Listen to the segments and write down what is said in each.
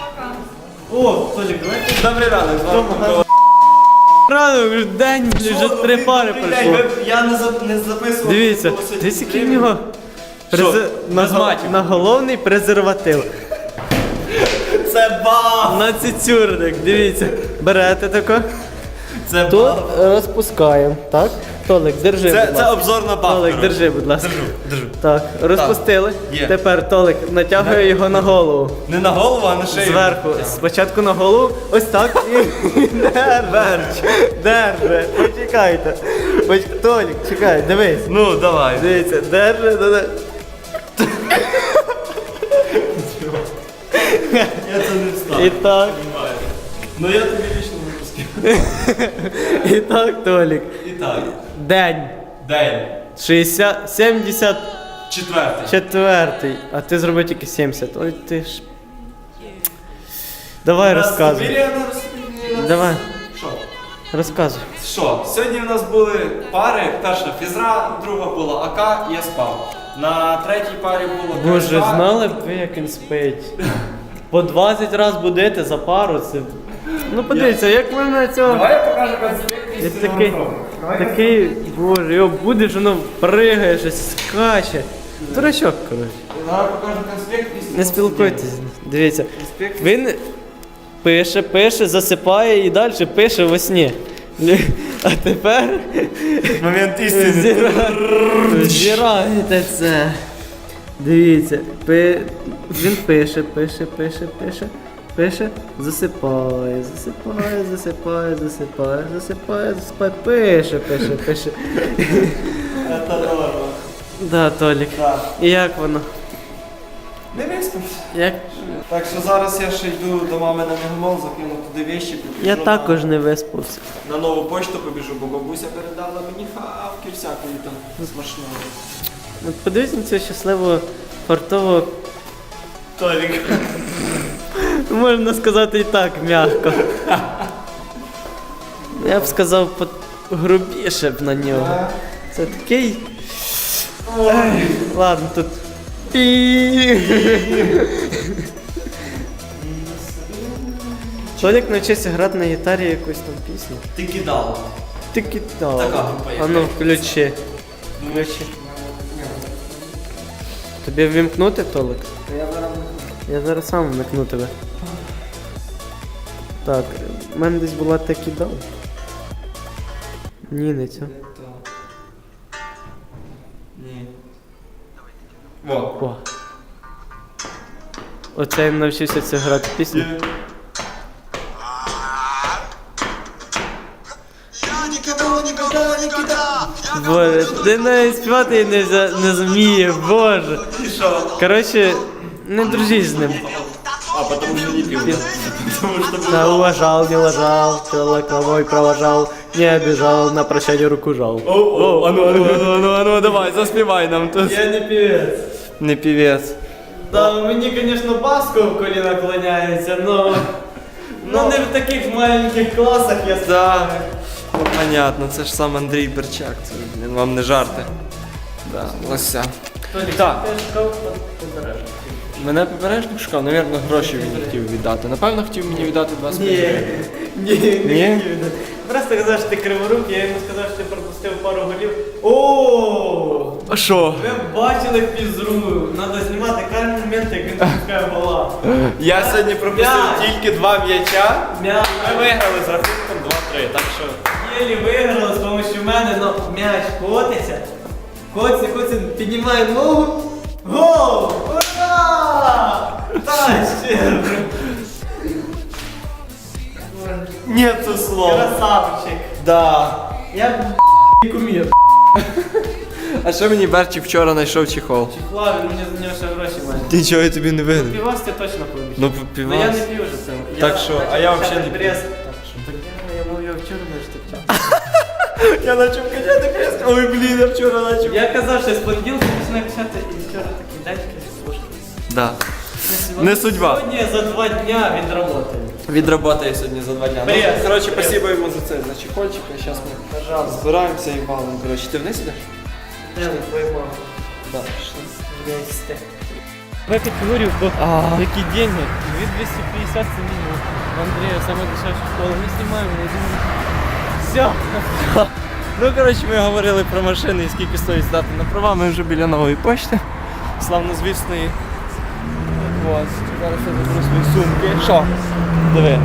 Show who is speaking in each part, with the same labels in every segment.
Speaker 1: О, Толік, давайте.
Speaker 2: Добрий ранок, з вами Микола.
Speaker 1: Рано, вже день, вже 3 пари пройшло.
Speaker 2: Я не записував.
Speaker 1: Дивіться, дивіться, який в нього наголовний презерватив.
Speaker 2: Це баф!
Speaker 1: На цицюрник, дивіться. Берете тако.
Speaker 2: Це
Speaker 1: Тут
Speaker 2: баф!
Speaker 1: розпускаємо, так? Толик, держи, будь ласка.
Speaker 2: Це обзор на баф.
Speaker 1: Толик, держи, будь ласка.
Speaker 2: Держу.
Speaker 1: Так, розпустили.
Speaker 2: Є.
Speaker 1: Тепер Толик натягує його на голову.
Speaker 2: Не на голову, а на шию.
Speaker 1: Зверху. Спочатку на голову, ось так і держи. Почекайте. Толік, чекай, дивись.
Speaker 2: Ну, давай.
Speaker 1: Дивіться, держи.
Speaker 2: Я це не встав.
Speaker 1: І так.
Speaker 2: Ну я тобі вічно випускив.
Speaker 1: І так, Толік.
Speaker 2: І так.
Speaker 1: День.
Speaker 2: День.
Speaker 1: 74-й.
Speaker 2: Четвертий.
Speaker 1: А ти зробив тільки 70. Ой, ти ж. Давай розказуй. Давай,
Speaker 2: Що?
Speaker 1: розказуй.
Speaker 2: Що? Сьогодні в нас були пари. Перша фізра, друга була АК, я спав. На третій парі було
Speaker 1: Боже,
Speaker 2: КСК.
Speaker 1: знали б ви, як він спить. По 20 разів будити за пару, це. Ну подивіться, як ви на цього.
Speaker 2: Давай я покажу конспект
Speaker 1: Він
Speaker 2: істинного
Speaker 1: такий,
Speaker 2: року.
Speaker 1: такий, боже, його будеш, воно пригає, щось скаче. Дурачок, коротше.
Speaker 2: Давай покажу конспект істинного
Speaker 1: Не спілкуйтесь. Дивіться.
Speaker 2: Конспект.
Speaker 1: Він пише, засипає і далі пише во сні. А тепер
Speaker 2: Момент істини.
Speaker 1: зіраєте це. Дивіться, він пише, засипає, пише.
Speaker 2: Це норма.
Speaker 1: Да, Толік.
Speaker 2: Так.
Speaker 1: І як воно?
Speaker 2: Не виспався.
Speaker 1: Як?
Speaker 2: Так що зараз я ще йду до мами на мегамол, закину туди вещі. побіжу
Speaker 1: Я також не виспався.
Speaker 2: на нову почту побіжу, бо бабуся передала мені хавки всякої там смачної.
Speaker 1: От подивись на цього щасливого, фартового,
Speaker 2: Толік.
Speaker 1: можна сказати і так, м'яко. Я б сказав грубіше б на нього. Це такий. Ай, ладно, тут. Толік навчився грати на гітарі якусь там пісню.
Speaker 2: Ти кидала.
Speaker 1: Ти кидав.
Speaker 2: Така група є.
Speaker 1: А ну, включи. Тобі ввімкнути, Толик? Я зараз сам вмикну тебе. Так, в мене десь була та кидав. Ні, не цю.
Speaker 2: Ні. Во.
Speaker 1: О. Оце я навчився це грати пісню. Боже, ти навіть співати не зуміє, боже.
Speaker 2: І що?
Speaker 1: Коротше, не дружись з ним.
Speaker 2: А, потому что не пил. Потому что
Speaker 1: Да, уважал, не лажал, человек мой провожал, не обижал, на прощание руку жал.
Speaker 2: О, ану, давай, заспівай нам тут.
Speaker 1: Я не певец.
Speaker 2: Не певец.
Speaker 1: Да, мені, конечно, баско в колі наклоняється, но не в таких маленьких класах я
Speaker 2: Да. Ну, понятно, це ж сам Андрій Берчак, це, блін, вам не жарти. Да, лося. Так. Мене попережник шукав, навірно, гроші він хотів віддати. Напевно, хотів мені віддати 25 гривень.
Speaker 1: Ні. Просто казав, що ти криворук, я йому сказав, що ти пропустив пару голів. О!
Speaker 2: А що?
Speaker 1: Ви бачили фізру, треба знімати кожен момент, як він пропускає гола.
Speaker 2: Я сьогодні пропустив
Speaker 1: М'яч.
Speaker 2: тільки 2 м'яча.
Speaker 1: М'яч.
Speaker 2: Ми виграли з рахунком 2-3, так що...
Speaker 1: Єлі виграли з допомогою мене, но м'яч котиться. Котиться, піднімає ногу. Гол! Ура! Та ще!
Speaker 2: Нету слов.
Speaker 1: Красавчик.
Speaker 2: Да.
Speaker 1: Я кумір.
Speaker 2: А що мені Берчик вчора знайшов чехол?
Speaker 1: Чехла, він мені за нього ще гроші має.
Speaker 2: Ти чого, я тобі не винен?
Speaker 1: Півас ти точно поміж.
Speaker 2: Ну,
Speaker 1: Ну я не п'ю вже це.
Speaker 2: Так що, а я взагалі не п'ю.
Speaker 1: Я мов, я вчора не штовчав.
Speaker 2: Я почав качати крест. Ой, блін, я вчора почав.
Speaker 1: Я казав, що з понеділка починаю качати, і вчора такий дядька слушай.
Speaker 2: Да. Не судьба.
Speaker 1: Сьогодні за 2 дня відработаю.
Speaker 2: Відработаю сьогодні за 2 дня.
Speaker 1: Привіт.
Speaker 2: Ну, коротше, спасибо йому за це, за чехольчик. А зараз ми
Speaker 1: Пожалуйста.
Speaker 2: збираємося і валимо. Коротше, ти вниз ідеш?
Speaker 1: Де ви твою маму?
Speaker 2: Да.
Speaker 1: Вместе. В категорию, какие деньги? 250 це мінімум. В Андрея самая дешевая школа. Мы снимаем на один. Все.
Speaker 2: Ну, коротше, ми говорили про машини і скільки стоїть здати на права. Ми вже біля нової почти. Славнозвісної. Ось, зараз я заберу свої сумки. Що? Диви.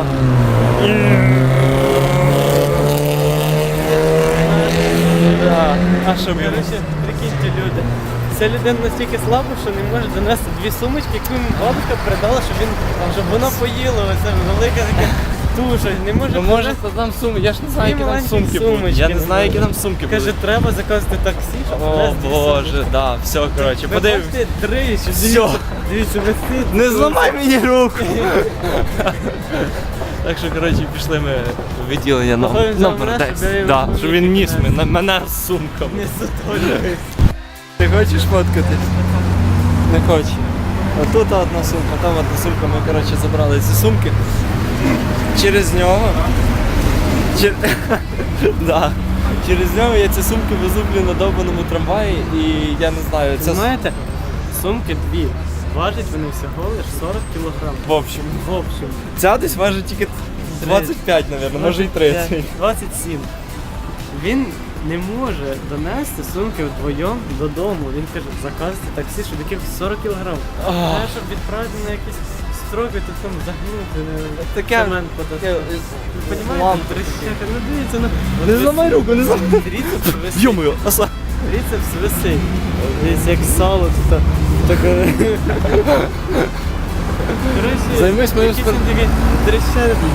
Speaker 2: А що буде?
Speaker 1: Короче, прикиньте, люди. Ця людина настільки слаба, що не може донести дві сумочки, яку йому бабушка передала, щоб вона поїла. Оце велика така туша. Не може.
Speaker 2: Ну може там сумки, я ж не знаю, які там
Speaker 1: маленькі
Speaker 2: сумки будуть.
Speaker 1: сумочки,
Speaker 2: Я не
Speaker 1: не
Speaker 2: знаю, які
Speaker 1: знаю.
Speaker 2: там сумки
Speaker 1: Каже,
Speaker 2: будуть.
Speaker 1: треба заказати таксі, щоб
Speaker 2: О
Speaker 1: привезти дві
Speaker 2: боже,
Speaker 1: сумочки.
Speaker 2: да, все, коротше,
Speaker 1: Ви
Speaker 2: подивимось.
Speaker 1: бачите, дрищ,
Speaker 2: Всьо.
Speaker 1: дивіться, висить.
Speaker 2: Не зламай мені руку! Так що, коротше, пішли ми в відділення
Speaker 1: Походимо за
Speaker 2: номер
Speaker 1: мене,
Speaker 2: 10.
Speaker 1: щоб я його
Speaker 2: Да,
Speaker 1: не
Speaker 2: щоб він ніс
Speaker 1: підняв.
Speaker 2: мене з сумками.
Speaker 1: Не сутолюють.
Speaker 2: Ти хочеш фоткати? Не хочу. А тут одна сумка, там одна сумка. Ми, коротше, забрали ці сумки. Через нього. Да. Через нього я ці сумки везу, блін, на довбаному трамваї і я не знаю, це
Speaker 1: Знаєте, сумки дві. Важать вони всього лиш 40 кілограм.
Speaker 2: в общем.
Speaker 1: В общем.
Speaker 2: Ця десь важить тільки 25, мабуть, може і 30.
Speaker 1: 27. Він не може донести сумки вдвоєм додому. Він каже, заказати таксі, щоб якихось 40 кілограм. Треба, щоб відправити на якісь строки, тут там загнути,
Speaker 2: Таке-
Speaker 1: цемент подати. Ви
Speaker 2: Лампа.
Speaker 1: розумієте, трещака, ну дивіться, ну...
Speaker 2: Не зламай руку, не зламай.
Speaker 1: Тріцепс висить.
Speaker 2: Йо-моє, оса.
Speaker 1: Тріцепс висить. Дивіться, як сало тут. Таке... Коротше,
Speaker 2: Займись моїм
Speaker 1: якийсь він такий трещака.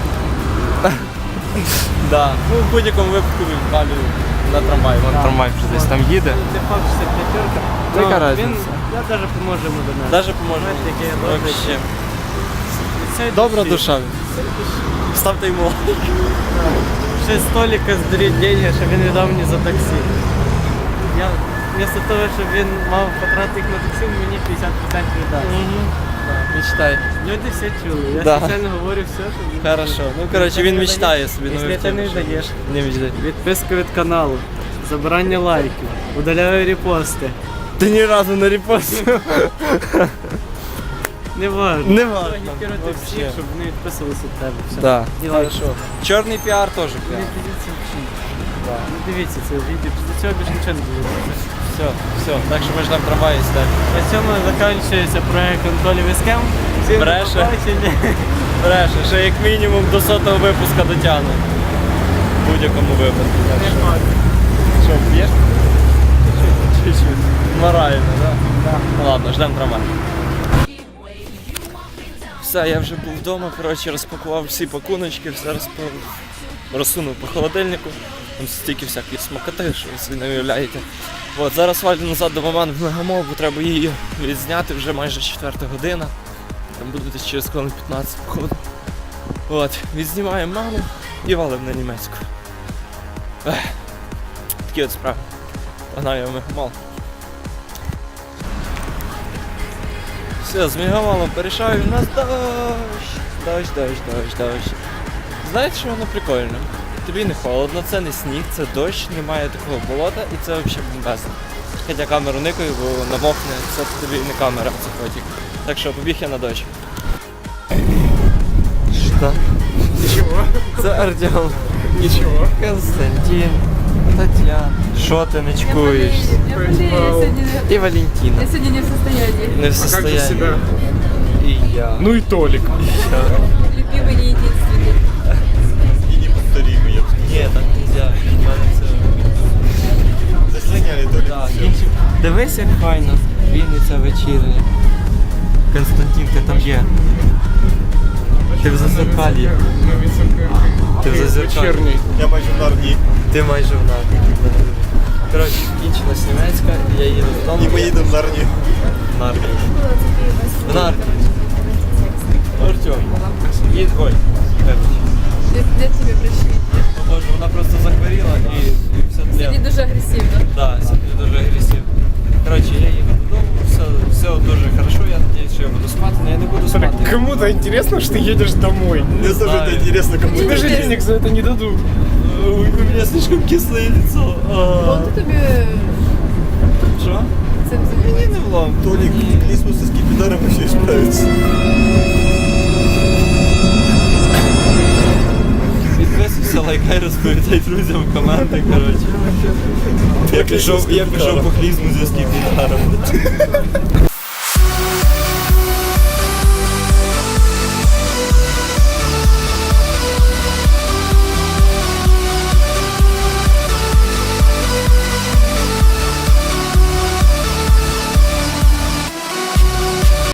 Speaker 2: Да. Ну, в будь-якому випадку відправлю на трамвай. Вон трамвай вже десь там їде.
Speaker 1: Це факт, що це п'ятерка.
Speaker 2: Та яка
Speaker 1: Ну,
Speaker 2: разниця?
Speaker 1: Я навіть поможу йому до нас.
Speaker 2: Даже поможе.
Speaker 1: Знаєте, який я добрий.
Speaker 2: Вообще.
Speaker 1: Цей
Speaker 2: Добра
Speaker 1: душі.
Speaker 2: душа. Ставте йому лайк.
Speaker 1: Ще з столика здуріть деньги, щоб він віддав мені за таксі. Я вместо того, щоб він мав потратити їх на таксі, він мені 50% віддасть.
Speaker 2: Мечтай.
Speaker 1: Люди все чули. Я
Speaker 2: Да.
Speaker 1: спеціально говорю все, щоб...
Speaker 2: Хорошо. Ну, коротше, він мечтає собі.
Speaker 1: Якщо
Speaker 2: новий
Speaker 1: ти не
Speaker 2: автомобіль.
Speaker 1: даєш.
Speaker 2: Не мечтай.
Speaker 1: Відписку від каналу, забирання лайків, удаляю репости.
Speaker 2: Ти ні разу не репостив.
Speaker 1: Не важно.
Speaker 2: Не важно.
Speaker 1: Агітувати всіх, щоб вони відписувалися від тебе. Все.
Speaker 2: Да.
Speaker 1: І лайки.
Speaker 2: Хорошо. Чорний піар теж
Speaker 1: Не
Speaker 2: піар.
Speaker 1: дивіться взагалі. Не дивіться це відео, після цього більше нічого не дивіться.
Speaker 2: Все, все. Так що ми ждемо трамваї і стати.
Speaker 1: На цьому закінчується проект Анатолій Вискем. Всім
Speaker 2: Бреше.
Speaker 1: до побачення.
Speaker 2: Бреше, ще як мінімум до 100-го випуска дотягну. В будь-якому випадку. Так що- Що, п'єш? Чуть-чуть. Морально, да? Ну ладно, ждемо трамвай. Все, я вже був вдома, коротше, розпакував всі пакуночки, все розсунув по холодильнику. Там стільки всяких смакоти, що ви собі не уявляєте. От, зараз валю назад до маман в Мегамол, бо треба її відзняти, вже майже 4 година. Там буду десь через хвилин 15 походу. От, відзнімаємо маму і валимо на німецьку. Такі от справи. Погнав я в Мегамол. Все, з Мегамолом перейшаю, у нас дощ. Знаєте, що воно прикольно? Тобі не холодно, це не сніг, це дощ, немає такого болота і це взагалі бомбезно. Хоча камеру никаю, бо намокне, це тобі не камера, це фотик. Так що побіг я на дощ. Що?
Speaker 3: Ничего.
Speaker 2: Це Артем.
Speaker 3: Ничего.
Speaker 2: Константин. Тетяна. Що ти не чекуєш?
Speaker 4: Я болею сегодня.
Speaker 2: І Валентина.
Speaker 4: Я сегодня не в состоянии.
Speaker 2: Не в
Speaker 3: А как же
Speaker 2: состоянии.
Speaker 3: себя?
Speaker 2: І я.
Speaker 3: Ну и Толик.
Speaker 4: Любимый, не единственный.
Speaker 2: Ні, так нельзя. У мене це...
Speaker 3: Заслоняли Толик.
Speaker 2: Так, дивись, як файно. Вінниця вечірня. Константин, ти там є. Ти в зазеркалі. Ти в зазеркалі.
Speaker 3: Вечерний. Я майже в Нарнии.
Speaker 2: Ти майже в нас. Коротше, кінчилась німецька, і я їду додому.
Speaker 3: И мы едем в Нарнию.
Speaker 2: В Нарні. В Нарні. Артем. Ой.
Speaker 4: Для тебя прощения.
Speaker 2: Боже, вона просто захворіла і все
Speaker 4: Сегодня
Speaker 2: тлен.
Speaker 4: дуже агрессивно.
Speaker 2: Да, сьогодні дуже агресивно. Коротше, я їду додому, все дуже хорошо, я надіюсь, що я буду спати, але я не буду спати.
Speaker 3: Кому-то интересно, что ты едешь домой.
Speaker 2: Не знаю.
Speaker 3: интересно, кому
Speaker 4: Тебе
Speaker 3: даже
Speaker 4: же
Speaker 3: денег за это не дадут.
Speaker 2: Ой, у мене слишком кисле лицо.
Speaker 4: Он тобі
Speaker 2: Що?
Speaker 4: этим заниматься.
Speaker 2: Не влом.
Speaker 3: Толик, Лисмус с скипидаром вообще справится.
Speaker 2: Підписуйся, лайкай, розповідай друзям команди, коротше. Я пішов по клізму за скіпідаром.